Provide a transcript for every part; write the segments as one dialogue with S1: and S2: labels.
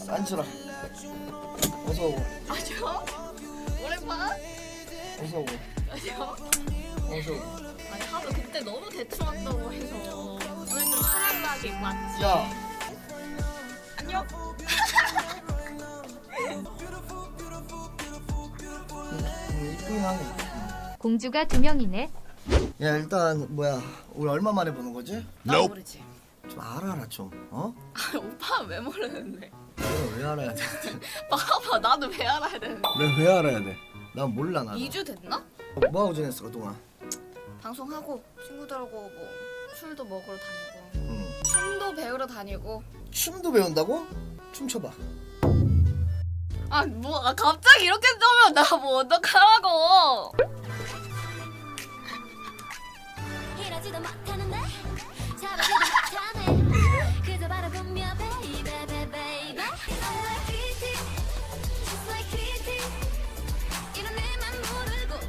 S1: 앉으라. 어서 오고.
S2: 아죠? 오랜만?
S1: 어서 오고.
S2: 아죠?
S1: 어서 오고.
S2: 아니 하도 그때 너무 대충 한다고 해서 오늘 좀 사랑나게 맞지?
S1: 야.
S2: 안녕?
S1: 이쁘긴 하네.
S3: 공주가 2명이네.
S1: 야 일단 뭐야 우리 얼마 만에 보는 거지?
S2: 나 모르지.
S1: 좀 알아라 좀. 어?
S2: 아 오빠는 왜 모르는데?
S1: 내가 왜 알아야 돼?
S2: 봐봐 나도 왜 알아야 되는데?
S1: 내가 왜 알아야 돼? 난 몰라 나.
S2: 2주 됐나?
S1: 뭐하고 지냈어 그동안?
S2: 방송하고 친구들하고 뭐 술도 먹으러 다니고
S1: 응.
S2: 춤도 배우러 다니고
S1: 춤도 배운다고? 춤춰봐.
S2: 아 갑자기 이렇게 뜨면 나 뭐 어떡하라고.
S4: 이러지도 못하는데 잡아지도 못하네 그저 바라보며 baby baby I'm like kitty just like kitty 이런 내맘 모르고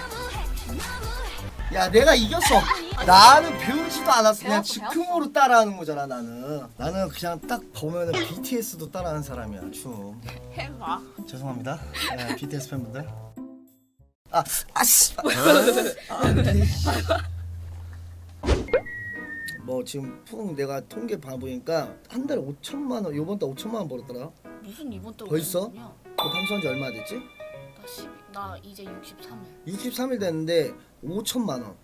S4: 너무해
S1: 야 내가 이겼어. 나는 배우지도 않았어. 그냥
S2: 배웠어,
S1: 즉흥으로 따라하는 거잖아 나는. 나는 그냥 딱 보면은 BTS도 따라하는 사람이야 춤.
S2: 해봐.
S1: 죄송합니다. 네, BTS 팬분들. 아씨. 뭐 지금 풍 내가 통계 봐보니까 한 달에 5천만 원. 요번 달 5천만 원 벌었더라.
S2: 무슨 이번 달
S1: 벌써?
S2: 오셨냐?
S1: 너 방송한 지 얼마 됐지?
S2: 나 이제 63일.
S1: 63일 됐는데 5천만 원.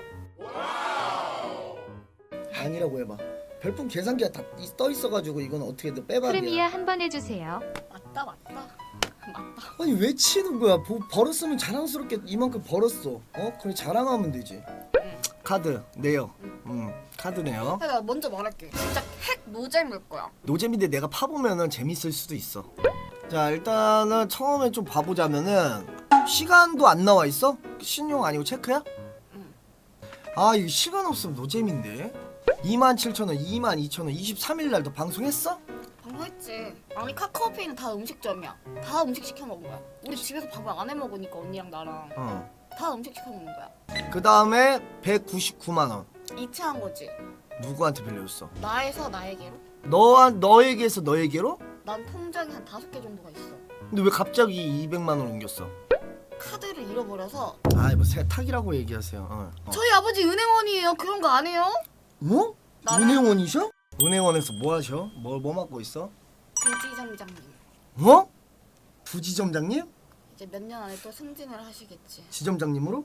S1: 아니라고 해봐. 별풍 계산기가 다 떠 있어가지고 이건 어떻게든 빼박이야.
S3: 프리미아 한 번 해주세요.
S2: 맞다.
S1: 아니 왜 치는 거야? 벌었으면 자랑스럽게 이만큼 벌었어. 그래 자랑하면 되지. 카드 내요. 카드 내요.
S2: 내가 먼저 말할게. 진짜 핵 노잼일 거야.
S1: 노잼인데 내가 파보면은 재밌을 수도 있어. 자 일단은 처음에 좀 봐보자면은 시간도 안 나와 있어? 신용 아니고 체크야? 아 이거 시간 없으면 노잼인데. 27,000원, 22,000원, 23일 날도 방송했어?
S2: 방송했지. 아니 카카오페이는 다 음식점이야. 다 음식 시켜 먹은 거야. 우리 집에서 밥을 안 해 먹으니까 언니랑 나랑 다 음식 시켜 먹는 거야.
S1: 그 다음에 199만 원.
S2: 이체한 거지.
S1: 누구한테 빌려줬어?
S2: 나에서 나에게로.
S1: 너에게서 너에게로?
S2: 난 통장이 한 5개 정도가 있어.
S1: 근데 왜 갑자기 200만 원 옮겼어?
S2: 카드를 잃어버려서.
S1: 아이 뭐 세탁이라고 얘기하세요.
S2: 저희 아버지 은행원이에요. 그런 거 안 해요?
S1: 뭐?
S2: 나는-
S1: 은행원이셔? 은행원에서 뭐 하셔? 뭐 맡고 있어?
S2: 부지점장님.
S1: 뭐? 부지점장님?
S2: 이제 몇 년 안에 또 승진을 하시겠지.
S1: 지점장님으로?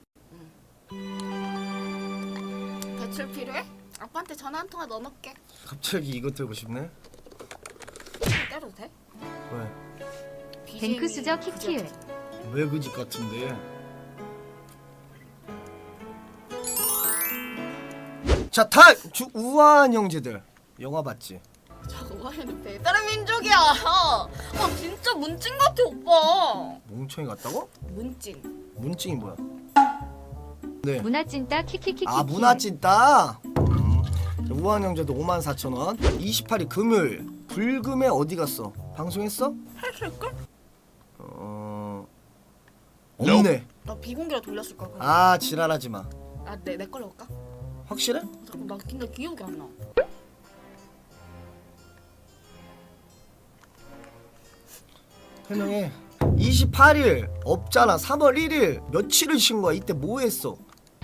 S2: 대출 필요해? 아빠한테 전화 한 통화 넣어놓을게.
S1: 갑자기 이거 들고 싶네.
S2: 때려도 돼?
S1: 왜?
S3: 뱅크 수저 키키을.
S1: 왜 그 집 같은데? 자, 우아한 형제들 영화 봤지?
S2: 저 우아이는 배다른 민족이야. 진짜 문찐 같아 오빠.
S1: 몽청이 같다고?
S2: 문찐.
S1: 문증이 뭐야? 네.
S3: 문화찐따 키키키키.
S1: 아 문화찐따. 우아한 형제도 54,000원. 28일 금요일 불금에 어디 갔어? 방송했어?
S2: 했을걸?
S1: 없네.
S2: 나 비공개로 돌렸을 거야.
S1: 아 지랄하지 마.
S2: 내 걸로 올까?
S1: 확실해?
S2: 잠깐 나 근데 기억이 안 나.
S1: 해명해. 28일 없잖아. 3월 1일 며칠을 쉰 거야? 이때 뭐 했어?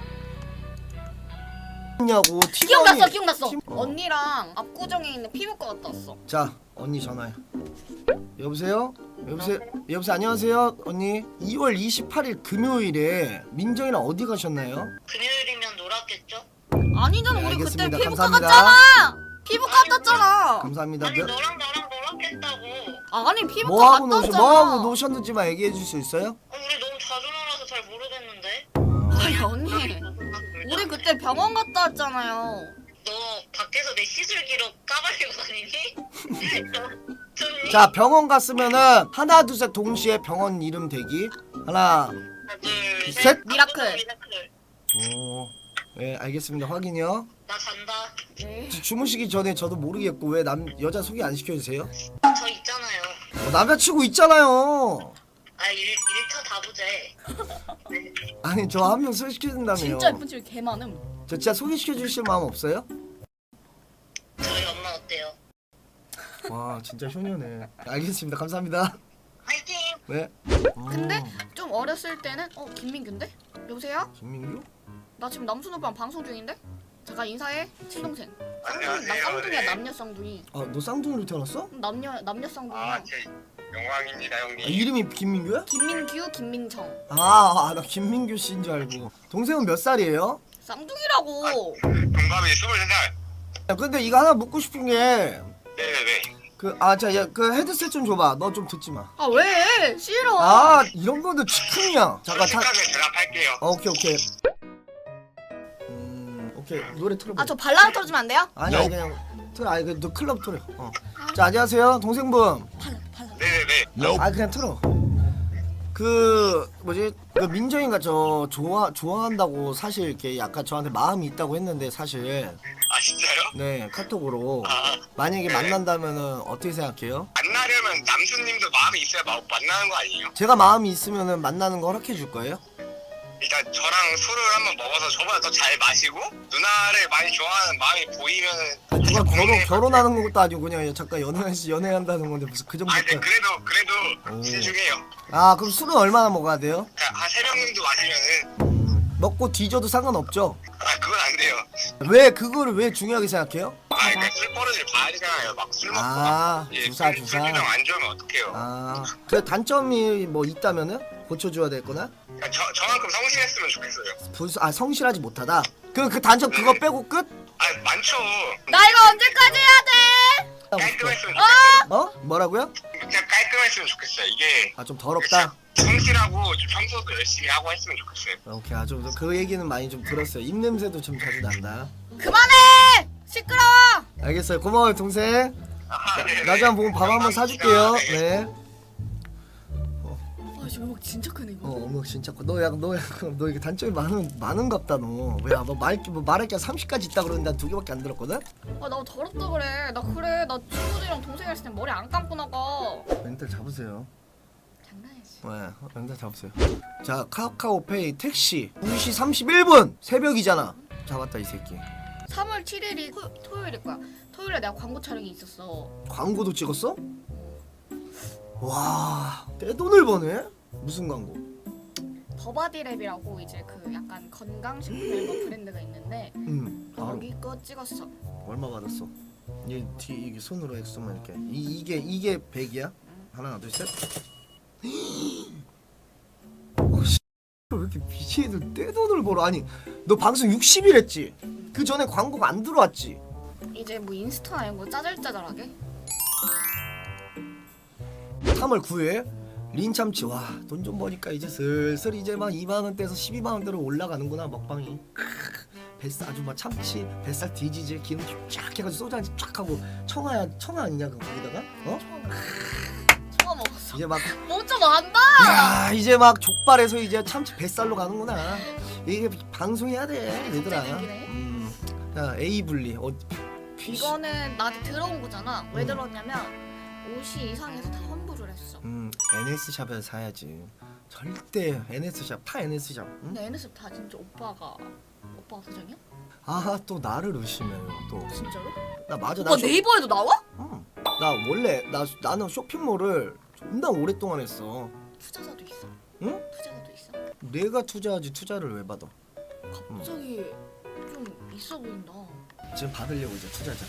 S1: 냐고
S2: 기억났어. 언니랑 압구정에 있는 피부과 갔다 왔어.
S1: 자 언니 전화해. 여보세요? 여보세요 안녕하세요 언니. 2월 28일 금요일에 민정이랑 어디 가셨나요?
S5: 금요일이면 놀았겠죠?
S2: 아니잖아.
S1: 네,
S2: 우리
S1: 알겠습니다.
S2: 그때 피부과
S1: 감사합니다.
S2: 갔잖아. 피부과 갔다 왔잖아.
S1: 감사합니다.
S5: 아니 너랑 나랑 놀았겠다고.
S2: 아니 피부과
S1: 뭐하고
S2: 갔다 왔잖아.
S1: 뭐하고 노셨는지만 얘기해 줄 수 있어요?
S5: 우리 너무 자주 놀아서 잘 모르겠는데.
S2: 아니 언니. 우리 그때 병원 갔다 왔잖아요.
S5: 너 밖에서 내 시술 기록 까발리고 다니니? 너 좋니?
S1: 자 병원 갔으면은 하나 둘 셋 동시에 병원 이름 대기. 하나
S5: 하나 둘
S1: 셋.
S5: 셋.
S2: 미라클.
S5: 미라클.
S1: 오. 네 알겠습니다. 확인이요.
S5: 나 잔다.
S2: 네.
S1: 주무시기 전에 저도 모르겠고 왜 여자 소개 안 시켜주세요?
S5: 저 있잖아요.
S1: 남자친구 있잖아요.
S5: 아 1차 다부제.
S1: 아니 저 한 명 소개시켜준다며요.
S2: 진짜 예쁜 집이 개 많음.
S1: 저 진짜 소개시켜주실 마음 없어요?
S5: 저희 엄마 어때요?
S1: 와 진짜 효녀네. 알겠습니다. 감사합니다.
S5: 화이팅!
S1: 네.
S2: 근데 좀 어렸을 때는 김민규인데? 여보세요?
S1: 김민규?
S2: 나 지금 남순 오빠랑 방송 중인데? 잠깐 인사해. 친동생.
S5: 안녕하세요.
S2: 나 쌍둥이야.
S5: 네.
S2: 남녀 쌍둥이.
S1: 너 쌍둥이로 태어났어?
S2: 남녀 쌍둥이.
S5: 제 영광입니다 형님.
S1: 이름이 김민규야?
S2: 김민규, 김민정.
S1: 나 김민규 씨인 줄 알고. 동생은 몇 살이에요?
S2: 쌍둥이라고.
S5: 동갑이 23살.
S1: 야, 근데 이거 하나 묻고 싶은 게
S5: 네네네.
S1: 그 헤드셋 좀 줘봐. 너 좀 듣지 마.
S2: 아 왜? 싫어.
S1: 이런 거는 즉흥이야. 잠깐
S5: 솔직하게 대답할게요.
S1: 오케이. 오케이 노래 틀어봐.
S2: 아 저 발라드 틀어주면 안 돼요?
S1: 아니 그냥 틀어. 너 클럽 틀어. 자 안녕하세요 동생분.
S5: 네네네.
S1: 그냥 틀어. 그 뭐지? 그 민정이가 저 좋아한다고 사실 이렇게 약간 저한테 마음이 있다고 했는데 사실
S5: 아 진짜요?
S1: 네 카톡으로
S5: 아,
S1: 만약에
S5: 네.
S1: 만난다면은 어떻게 생각해요?
S5: 만나려면 남수님도 마음이 있어야 만나는 거 아니에요?
S1: 제가 마음이 있으면은 만나는 거 허락해 줄 거예요?
S5: 일단 저랑 술을 한번 먹어서 저보다 더 잘 마시고 누나를 많이 좋아하는 마음이 보이면은
S1: 누가 결혼하는 것도 아니고 그냥 잠깐 연애한다는 건데 무슨 그
S5: 아 근데
S1: 정도까지.
S5: 그래도 신중해요.
S1: 그럼 술은 얼마나 먹어야 돼요?
S5: 한 3병 정도 마시면은
S1: 먹고 뒤져도 상관없죠?
S5: 그건 안 돼요.
S1: 왜 그거를 왜 중요하게 생각해요?
S5: 그러니까 술 버릇을 봐야 되잖아요. 막 술 먹고
S1: 주사.
S5: 술주정 안 좋으면 어떡해요.
S1: 그 단점이 뭐 있다면은 고쳐줘야 될 거나?
S5: 그러니까 저만큼 성실했으면 좋겠어요.
S1: 성실하지 못하다. 그 단점 그거 빼고 끝?
S5: 많죠.
S2: 나 이거 언제까지 해야 돼?
S5: 깔끔했으면 좋겠어요.
S1: 뭐라고요?
S5: 그냥 깔끔했으면 좋겠어요. 이게
S1: 좀 더럽다.
S5: 성실하고 좀 청소도 열심히 하고 했으면 좋겠어요.
S1: 오케이 좀 그 얘기는 많이 좀 들었어요. 입 냄새도 좀 자주 난다.
S2: 그만해! 시끄러워!
S1: 알겠어요. 고마워요 동생.
S5: 네네.
S1: 나중에 한번 밥 한번 사줄게요. 네.
S2: 아 지금 음악 진짜 크네 이거.
S1: 어머 진짜 너 이게 단점이 많은갑다 너. 너 말할 게 30까지 있다 그러는데 난 2개밖에 안 들었거든?
S2: 아 나 더럽다 그래. 나 친구들이랑 동생이랑 있을 땐 머리 안 감고 나가.
S1: 멘탈 잡으세요.
S2: 장난이지.
S1: 네, 멘탈 잡으세요. 자 카카오페이 택시 2시 31분 새벽이잖아. 잡았다 이 새끼.
S2: 3월 7일이 토요일일 거야. 토요일에 내가 광고 촬영이 있었어.
S1: 광고도 찍었어? 와 떼돈을 버네? 무슨 광고?
S2: 더바디랩이라고 이제 그 약간 건강식품 이런 거 브랜드가 있는데
S1: 바로
S2: 거기 거 찍었어.
S1: 얼마 받았어? 이게 손으로 액수만 이렇게 이게 100이야? 하나 둘 셋. 왜 이렇게 BJ들 떼돈을 벌어? 아니 너 방송 60일 했지? 그 전에 광고가 안 들어왔지?
S2: 이제 뭐 인스타나 이런 거 짜잘짜잘하게.
S1: 3월 9일 린참치. 와 돈 좀 버니까 이제 슬슬 이제 막 2만원대에서 12만원대로 올라가는구나 먹방이. 뱃살 아주 막 참치 뱃살 뒤지지 기름 쫙 해가지고 소주 한잔 쫙 하고 청아 아니냐 거기다가
S2: 처음 먹었어.
S1: 이제 막
S2: 뭐 좀 안다.
S1: 야 이제 막 족발에서 이제 참치 뱃살로 가는구나. 이게 방송해야 돼 얘들아.
S2: 생기네.
S1: 자 A 분리
S2: 이거는 나한테 들어온 거잖아. 왜 들어왔냐면 옷이 이상해서 다 환불을 했어.
S1: NS 샵에서 사야지. 절대 NS 샵 NS 샵. 응?
S2: 근데 NSF 다 진짜 오빠가 사장이야?
S1: 또 나를 의심해요 또.
S2: 진짜로?
S1: 나 맞아.
S2: 오빠 네이버에도 나와?
S1: 나 원래 나는 쇼핑몰을 존나 오랫동안 했어.
S2: 투자자도 있어.
S1: 응?
S2: 투자자도 있어.
S1: 내가 투자하지 투자를 왜 받아?
S2: 갑자기 좀 있어 보인다.
S1: 지금 받으려고 이제 투자자.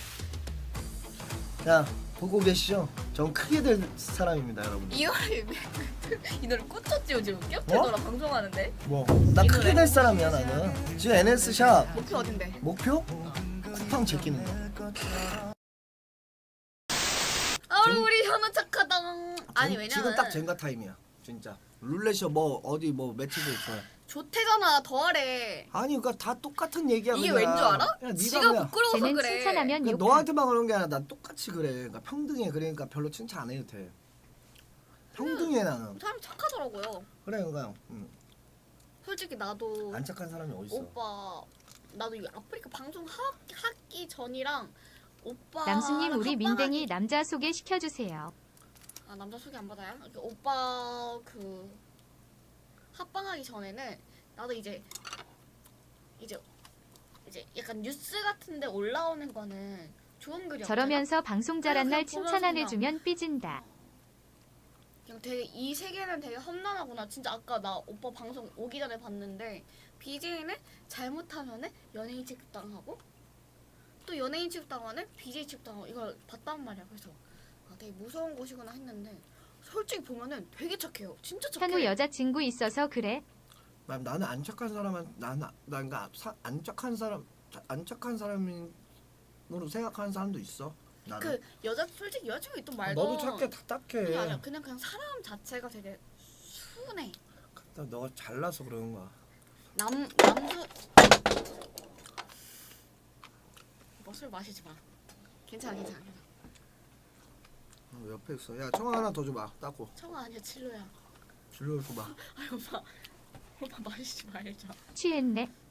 S1: 자 보고 계시죠? 전 크게 될 사람입니다 여러분.
S2: 이 노래 꽂혔지 요즘 겹쳐더라 방송하는데.
S1: 나 크게 될 사람이야 나는. 지금 NS 샵
S2: 목표 어딘데?
S1: 목표? 쿠팡 제끼는 거.
S2: 우리 현우 착하다. 아니 왜냐면
S1: 지금 딱 젠가 타임이야 진짜. 룰렛이야 뭐 어디 뭐 매치도 좋아.
S2: 좋대잖아 더하래.
S1: 아니 그러니까 다 똑같은 얘기야.
S2: 이게
S1: 그냥.
S2: 왠 줄 알아?
S1: 그냥
S2: 지가
S1: 네가 그냥
S2: 부끄러워서
S3: 쟤는
S2: 그래.
S3: 칭찬하면
S1: 그러니까
S3: 욕.
S1: 너한테만 그런 게 아니라 난 똑같이 그래. 그러니까 평등해. 그러니까 별로 칭찬 안 해도 돼. 평등해 나는.
S2: 사람이 착하더라고요.
S1: 그래 그러니까
S2: 솔직히 나도
S1: 안 착한 사람이 어딨어.
S2: 오빠 나도 이 아프리카 방송 하기 전이랑 오빠
S3: 남수님 우리 민댕이 남자 소개시켜주세요.
S2: 남자 소개 안 받아요? 오빠 그 합방하기 전에는 나도 이제 약간 뉴스 같은데 올라오는 거는 좋은 글이
S3: 저러면서 방송 잘한 날
S2: 그냥
S3: 칭찬 안
S2: 보면서
S3: 해주면 삐진다.
S2: 그냥 되게 이 세계는 되게 험난하구나. 진짜 아까 나 오빠 방송 오기 전에 봤는데 BJ는 잘못하면은 연예인 취급당하고 또 연예인 취급당하는 BJ 취급당하고 이걸 봤단 말이야. 그래서 아, 되게 무서운 곳이구나 했는데 솔직히 보면은 되게 착해요. 진짜 착해.
S3: 현우 여자친구 있어서 그래.
S1: 나는 안 착한 사람은 나는 그러니까 안 착한 사람으로 생각하는 사람도 있어. 나는.
S2: 그 여자 솔직히 여자친구 있던 말도
S1: 너도 착해 다 딱해.
S2: 그게 아니야. 그냥 사람 자체가 되게 순해.
S1: 너가 잘나서 그러는 거야.
S2: 남수 술 마시지 마. 괜찮아.
S1: 옆에 있어. 야 청아 하나 더 줘봐. 따고.
S2: 청아 아니야 칠로야.
S1: 줄로 줘봐.
S2: 아이 오빠 마시지 말자.
S3: 취했네.